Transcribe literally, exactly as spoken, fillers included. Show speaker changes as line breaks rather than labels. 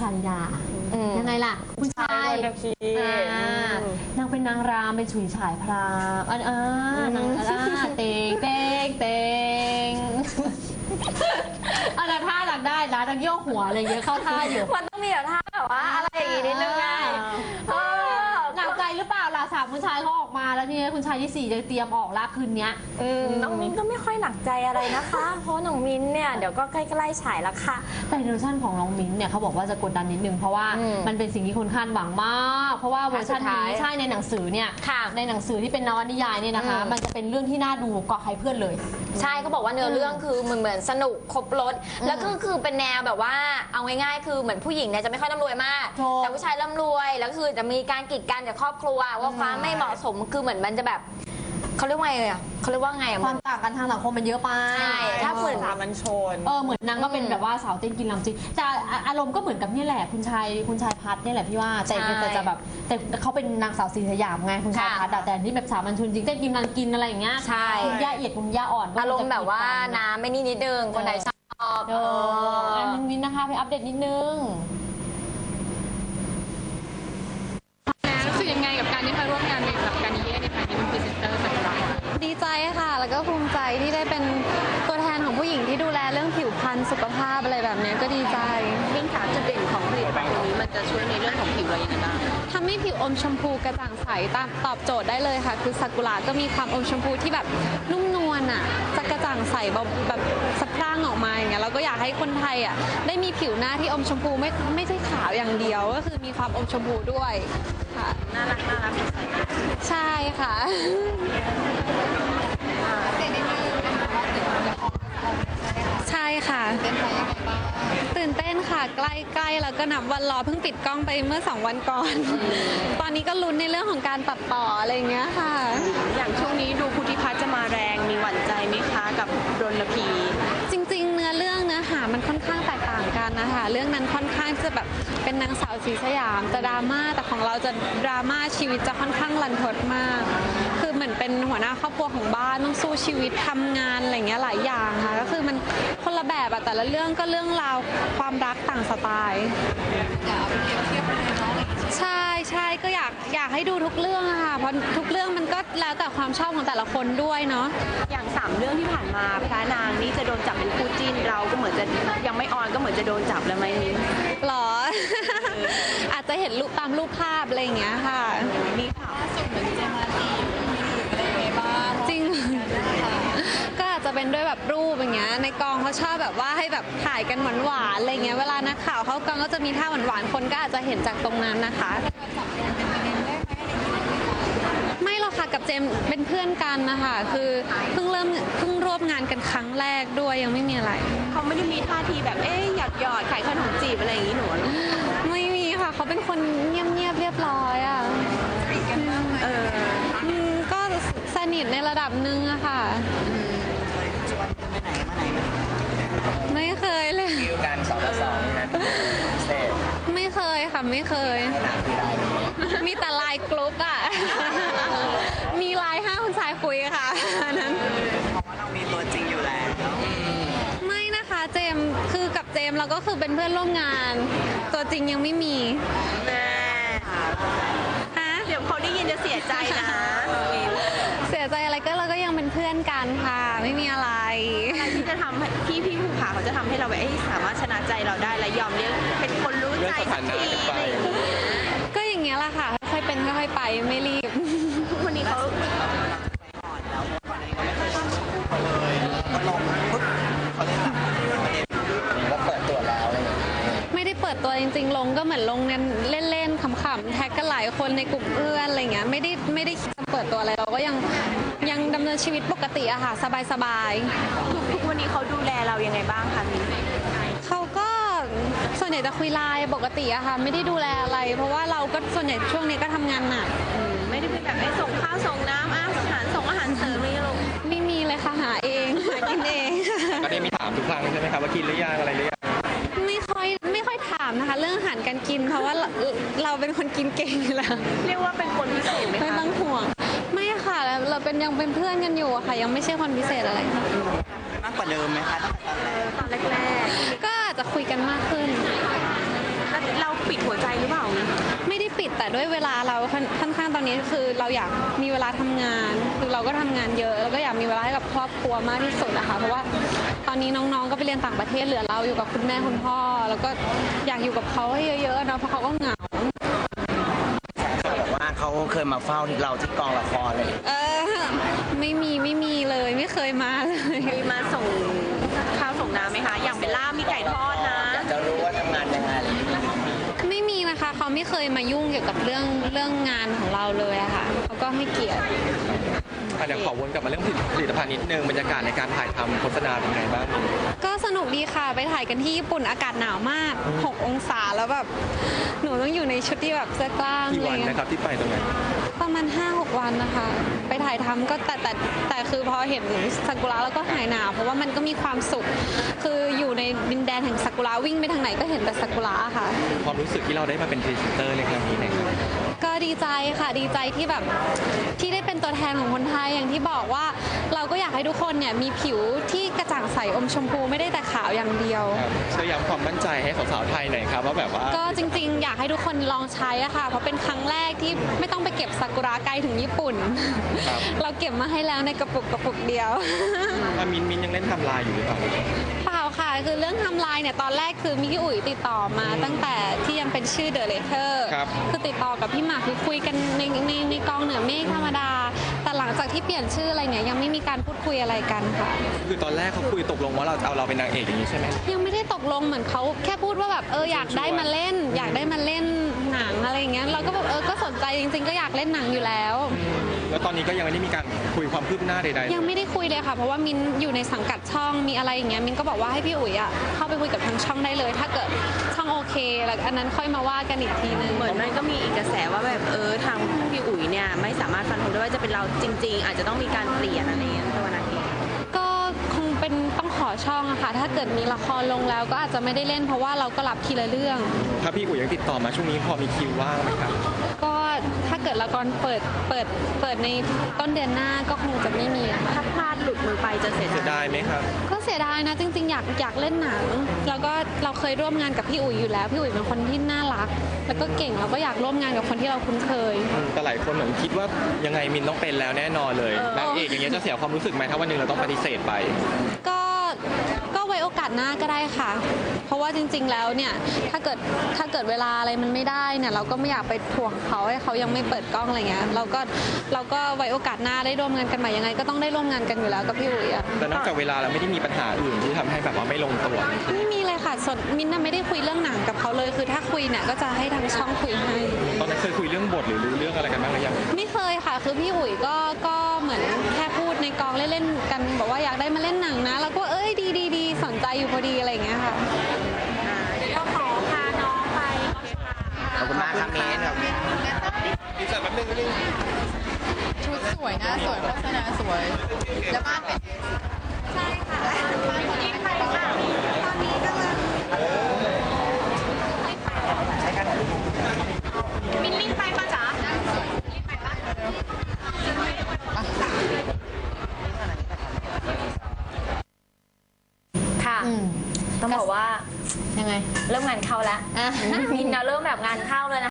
าลิดายังไงล่ะคุณชายนางเป็นนางรามเป็นฉุยฉายพรามอันอ่านางเตงเตงเตงอะไรท่าหลักได้นะทั้งโยกหัวอะไรเงี้ยเข้าท่าอยู่
มันต้องมีแบบท่าแบบว่าอะไรอย่างงี้นิดนึงไง
หนักใจหรือเปล่าล่ะสามคุณชายเขาออกมาแล้วนี่คุณชายที่สี่จะเตรียมออกละคืนนี้
น้องมิ้นก็ไม่ค่อยหนักใจอะไรนะคะเพราะน้องมิ้นเนี่ยเดี๋ยวก็ใกล้ๆฉายแล้วค่ะ
แต่เวอร์ชันของน้องมิ้นเนี่ยเขาบอกว่าจะกดดันนิดนึงเพราะว่ามันเป็นสิ่งที่คนคาดหวังมากเพราะว่าเวอร์ชันนี้ใช่ในหนังสือเนี่ยในหนังสือที่เป็นนวนิยายเนี่ยนะคะมันจะเป็นเรื่องที่น่าดูกว่าใครเพื่อนเลย
ใช่เขาบอกว่าเนื้อเรื่องคือเหมือนเหมือนสนุกครบรสแล้วก็คือเป็นแนวแบบว่าเอาง่ายๆคือเหมือนผู้หญิงเนี่ยจะไม่ค่อยร่ำรวยมากแต่ผู้ชายร่ำรวยแล้วคือจะมีการกีดกันจากครอบครัวว่าความไม่เหมาะสมคือเหมือนมันจะแบบเขาเรียกว่าไงอ่ะเขาเรียกว่าไง
ความต่างกันทางสังคมมันเยอะไป
ใช่ถ้าเหมือน
มันชน
เออเหมือนนางก็เป็นแบบว่าสาวเต้นกินลำจริงแต่อารมณ์ก็เหมือนกับนี่แหละคุณชายคุณชายพัฒน์นี่แหละพี่ว่าแต่แต่จะแบบแต่เขาเป็นนางสาวศรีสยามไงคุณชายพัฒน์แต่ที่แบบสามัญชนจริงเต้นกินลำกินอะไรอย่างเงี้ย
ใช่
คุณย่าเอียดคุณย่าอ่อน
อารมณ์แบบว่าน้ำไม่นี่นิดนึงคนไหนชอบ
เอออันนึงวินนะคะไปอัปเดตนิดนึง
รู้สึกยังไงกับการที่มาร่วมงานกับการนี้ในฐานะเป็นพรีเซนเตอร์สักครั้ง
ดีใจค่ะแล้วก็ภูมิใจที่ได้เป็นตัวแทนของผู้หญิงที่ดูแลเรื่องผิวพรรณสุขภาพอะไรแบบนี้ก็ดีใจ
มิ้นขาจุดเด่นของผลิตภัณฑ์ตัวนี้มันจะช่วยในเรื่องของผิวเราอย่างไรบ้าง
ทำให้ผิวอมชมพูกระจ่างใสตามตอบโจทย์ได้เลยค่ะคือซากุระก็มีความอมชมพูที่แบบนุ่มนวลอ่ะจะกระจ่างใสแบบสะพรั่งออกมาอย่างเงี้ยเราก็อยากให้คนไทยอ่ะได้มีผิวหน้าที่อมชมพูไม่ไม่ใช่ขาวอย่างเดียวก็คือมีความอมชมพูด้วยค่ะ
น่ารักน่ารัก
ใช่ค่ะใช่ค่ะตื่นเต้นค่ะใกล้ๆแล้วก็นับวันรอเพิ่งปิดกล้องไปเมื่อสองวันก่อนตอนนี้ก็ลุ้นในเรื่องของการตัดต่ออะไรอย่างเงี้ยค่ะ
อย่างช่วงนี้ดูพุทธิพัฒน์จะมาแรงมีหวั่นใจไหมคะกับรณพี
จริงๆเนื้อเรื่องเนื้อหามันค่อนข้างแตกต่างกันนะคะเรื่องนั้นค่อนข้างจะแบบเป็นนางสาวศรีสยามจะดราม่าแต่ของเราจะดราม่าชีวิตจะค่อนข้างรันทดมากคือเหมือนเป็นหัวหน้าครอบครัวของบ้านต้องสู้ชีวิตทำงานอะไรเงี้ยหลายอย่างค่ะก็คือมันคนละแบบอะแต่ละเรื่องก็เรื่องราวความรักต่างสไตล์ใช่ใช่ก็อยากอยากให้ดูทุกเรื่องอะค่ะเพราะทุกเรื่องมันก็แล้วแต่ความชอบของแต่ละคนด้วยเนาะ
อย่างสามเรื่องที่ผ่านมาพระนางนี่จะโดนจับเป็นคู่จิ้นเราก็เหมือนจะยังไม่ออนก็เหมือนจะโดนจับแล้วไหมมิ้น
หรอ อาจจะเห็นรูปตามรูปภาพอะไรอย่างเงี้ยค่ะ
มีข่าวสุดเหมือนจะมาจีบอะไรยังไงบ้าง
จริงก็อาจจะเป็นด้วยแบบรูปอย่างเงี้ยในกองเขาชอบแบบว่าให้แบบถ่ายกันหวานๆอะไรเงี้ยเวลานักข่าวเขากองก็จะมีท่าหวานๆคนก็อาจจะเห็นจากตรงนั้นนะคะไม่หรอกค่ะกับเจมเป็นเพื่อนกันนะคะคือเพิ่งเริ่มเพิ่งร่วมงานกันครั้งแรกด้วยยังไม่มีอะไร
เขาไม่ได้มีท่าทีแบบเอ๊ยหยอดหยอดขายขนมจีบอะไรอย่างนี้หนู
ไม่มีค่ะเขาเป็นคนเงียบๆเรียบร้อยอ่ะ
สนิทกันมากเออ
ก็สนิทในระดับหนึ่งอะค่ะไม่เคยเลย
คิวกันสองต่อสองนะ
ไม่เคยค่ะไม่เคยมีแต่ไลน์กรุ๊ปอะมีไลน์ห้าคนชายคุยค่ะนั้น
เพราะว่าเรามีตัวจริงอยู่แล้ว
ไม่นะคะเจมคือกับเจมเราก็คือเป็นเพื่อนร่วมงานตัวจริงยังไม่มี
แม่ฮะเดี๋ยวเขาได้ยินจะเสียใจนะ
เสียใจอะไรก็เราก็ยังเป็นเพื่อนกันค่ะไม่มีอะไร
ที่จะทำที่พี่ภูผาเขาจะทำให้เราแบบสามารถชนะใจเราได้และยอมเรียกเป็นคนรู้ใจสักที
ก็อย่างเงี้ยแหละค่ะค่อยเป็นค่อยไปไม่รีบ
ทุกวันนี้เขา
อ่อนแล้วก่อนนี้เขาไม่เคยทำเลยก็ลงปุ๊บเขาเล่นแบบประเด็นว่าเปิดตัวแล้วอะไรอย่างเงี้ย
ไม่ได้เปิดตัวจริงๆลงก็เหมือนลงกันเล่นๆขำๆแท็กกันหลายคนในกลุ่มเพื่อนอะไรเงี้ยไม่ได้ไม่ได้เปิดตัวอะไรเราก็ยังยังดำเนินชีวิตปกติอะค่ะสบาย
ๆทุกวันนี้เขาดูแลเรายังไงบ้างคะมิ้น
เขาก็ส่วนใหญ่จะคุยไลน์ปกติอะค่ะไม่ได้ดูแลอะไรเพราะว่าเราก็ส่วนใหญ่ช่วงนี้ก็ทำงานหนัก
ไม่ได้เป็นแบบไม่ส่งข้าวส่งน้ำอาหารส่งอาหารเสริมไม่ลง
ไม่มีเลยค่ะหาเองหากินเอง
ก็ได้มีถามทุกครั้งใช่ไหมครับว่ากินหรือยังอะไรหรือยัง
ไม่ค่อยไม่ค่อยถามนะคะเรื่องอาหารการกินเพราะว่าเราเป็นคนกินเก่งอยู่แล้ว
เรียกว่าเป็นคนพิเศษไหมคะ
ไม่ต้องห่วงไม่ค่ะเราเป็นยังเป็นเพื่อนกันอยู่ค่ะยังไม่ใช่คนพิเศษอะไร
มากกว่าเดิมไหมคะ
ตอนแรก
ๆก็อาจจะคุยกันมากขึ้น
เ
ด้วยเวลาเราค่อนค่อนข้างตอนนี้คือเราอยากมีเวลาทำงานคือเราก็ทำงานเยอะแล้วก็อยากมีเวลาให้กับครอบครัวมากที่สุดนะคะเพราะว่าตอนนี้น้องๆก็ไปเรียนต่างประเทศเหลือเราอยู่กับคุณแม่คุณพ่อ แล้วก็อยากอยู่กับเขาให้เยอะๆเนาะเพราะเขาก็เหงา
เขาบอกว่าเขาเคยมาเฝ้าที่เราที่กองละครเลย
เออไม่มีไม่มีเลยไม่เคยมาเลย
มีมาส่งข้าวส่งน้ำไหมคะ อย่างเบลล่ามีไก่ทอดนะ
อยากจะรู้ว่าทำงานยังไงอะไรอย่างเงี้ย
ไม่มีนะคะเขาไม่เคยมายุ่งเกี่ยวกับเรื่องเรื่องงานของเราเลยอะค่ะเขาก็ให้เกียรติ
อ่ะเดี๋ยวขอวนกลับมาเรื่องผลิตภัณฑ์นิดนึงบรรยากาศในการถ่ายทำโฆษณาเป็นไงบ้าง
ก็สนุกดีค่ะไปถ่ายกันที่ญี่ปุ่นอากาศหนาวมากหกองศาแล้วแบบหนูต้องอยู่ในชุดที่แบบเสื้อกล้าม
กี่
อะไร
วัน
เงี้
นะ
ย
ครับที่ไปตรงนั้น
ประมาณ ห้าหก วันนะคะ ไปถ่ายทำก็แต่แต่แต่คือพอเห็นซากุระแล้วก็หายหนาวเพราะว่ามันก็มีความสุข คืออยู่ในดินแดนแห่งซากุระวิ่งไปทางไหนก็เห็นแต่ซากุระค่ะ
ความรู้สึกที่เราได้มาเป็นพรีเซนเตอร์ในครั้งนี้นะครับ
ก็ดีใจค่ะดีใจที่แบบที่ได้เป็นตัวแทนของคนไทยอย่างที่บอกว่าเราก็อยากให้ทุกคนเนี่ยมีผิวที่กระจ่างใสอมชมพูไม่ได้แต่ขาวอย่างเดียว
ครับช่วยย้ำความมั่นใจให้สาวๆไทยหน่อยครับว่าแบบว่า
ก็จริงๆ อยากให้ทุกคนลองใช้อะค่ะ เพราะเป็นครั้งแรกที่ไม่ต้องไปเก็บซากุระไกลถึงญี่ปุ่น
ครับ
เราเก็บมาให้แล้วในกระปุกกระปุกเดียว
อ่ะมินมินยังเล่นทำลายอยู่หรือเปล่า
เปล่าค่ะ คือเรื่องทำลายเนี่ยตอนแรกคือมิกกี้อุ๋ยติดต่อมาตั้งแต่ที่ยังเป็นชื่อเดอะเลเทอร์
ครับ
คือติดต่อกับพี่หมากคือคุยกันในในในกองเหนือเมฆธรรมดา แต่หลังจากที่เปลี่ยนชื่ออะไรเนี่ยยังไม่มีการพูดคุยอะไรกันค่ะ
คือตอนแรกเขาคุยตกลงว่าเราจะเอาเราเป็นนางเอกอย่างนี้ใช่ไหม
ยังไม่ได้ตกลงเหมือนเขาแค่พูดว่าแบบเอออยากได้มาเล่น อยากได้มาเล่นหนังอะไรอย่างเงี้ยเราก็แบบเออก็สนใจจริงๆ ก็อยากเล่นหนังอยู่แล้ว
แล้วตอนนี้ก็ยังไม่ได้มีการคุยความคืบหน้าใดๆ
ยังไม่ได้คุยเลยค่ะ เพราะว่ามินอยู่ในสังกัดช่องมีอะไรอย่างเงี้ยมินก็บอกว่าให้พี่อุ๋ยอ่ะเข้าไปคุยกับทางช่องได้เลย ถ้าเกิดช่องโอเคแล้วอันนั้นค่อยมาว่ากันอีกทีนึง
เหมือนมันก็มีอีกกระแสว่าแบบเออทางพี่อุ๋ยเนี่ยไม่สามารถฟันธงได้ว่าจะเป็นเราจริง ๆ อาจจะต้องมีการเปลี่ยนอะไรอย่างเงี้ยตัวนางเอก
ก็คงเป็นต้องขอช่องอะค่ะ ถ้าเกิดมีละครลงแล้วก็อาจจะไม่ได้เล่น เพราะว่าเราก็รับทีละเรื่อง
ถ้าพี่อุ๋ยยังติดต่อมาช่วงนี้พอมีคิวว่างไหมครับ
ก็ถ้าเกิดละครเปิดเปิดเปิดในต้นเดือนหน้าก็คงจะไม่มีอะค่ะ
ถ้าพลาดหลุดมือไปจะเสีย
เสีย
ดา
ดาย ยไหมครับ
ก็เสียดายนะจริงๆ อยากอยากเล่นหนังแล้วก็เราเคยร่วมงานกับพี่อุ๋ยอยู่แล้วพี่อุ๋ยเป็นคนที่น่ารัก แล้วก็เก่งเราก็อยากร่วมงานกับคนที่เราคุ้นเคย
แต่หลายคนเหมือนคิดว่ายังไงมินต้องเป็นแล้วแน่นอนเลยนางเอกอย่างเงี้ยจะเสียความรู้สึกไหมถ้าวันหนึ่งเราต้องปฏิเสธไป
ก็ก็ไว้โอกาสหน้าก็ได้ค่ะ เพราะว่าจริง ๆ แล้วเนี่ยถ้าเกิดถ้าเกิดเวลาอะไรมันไม่ได้เนี่ยเราก็ไม่อยากไปถ่วงเขาให้เขายังไม่เปิดกล้องอะไรเงี้ยเราก็เราก็ไว้โอกาสหน้าได้ร่วมงานกันใหม่ยังไงก็ต้องได้ร่วมงานกันอยู่แล้วกับพี่อุ๋ยอะ
แต่นอกจากเวลาเราไม่ได้มีปัญหาอื่นที่ทำให้แบบว่าไม่ลงตัว
ไม่มีเลยค่ะส่วนมินน่ะไม่ได้คุยเรื่องหนังกับเขาเลย คือถ้าคุยเนี่ยก็จะให้ทางช่องคุยให้
ตอนนั้นเคยคุยเรื่องบทหรือรู้เรื่องอะไรกันบ้างหรือยัง
ไม่เคยค่ะ คือพี่อุ๋ยก็ก็เหมือนแค่พูดในกองเล่นๆกันบอกว่าอยากได้มาเล่นหนังนะแล้วก็เอ้ยดีดีดีสนใจอยู่พอดีอะไรอย่างเงี้ยค่ะ
ก็ขอพาน้องไป
ขอบคุณมากครับมินครับ
ดีใจแป๊บนึงนิดนึง
ชุดสวยนะสวยโฆษณาสวย แล้วบ้านเป็น
มินลิงไปปะจ๊ะ
ค่ะ
อืม
ต้องบอกว่า
ยังไง
เริ่มงานเข้าแล้ว
อ่ะ
มินนะเริ่มแบบงานเข้าเลยนะ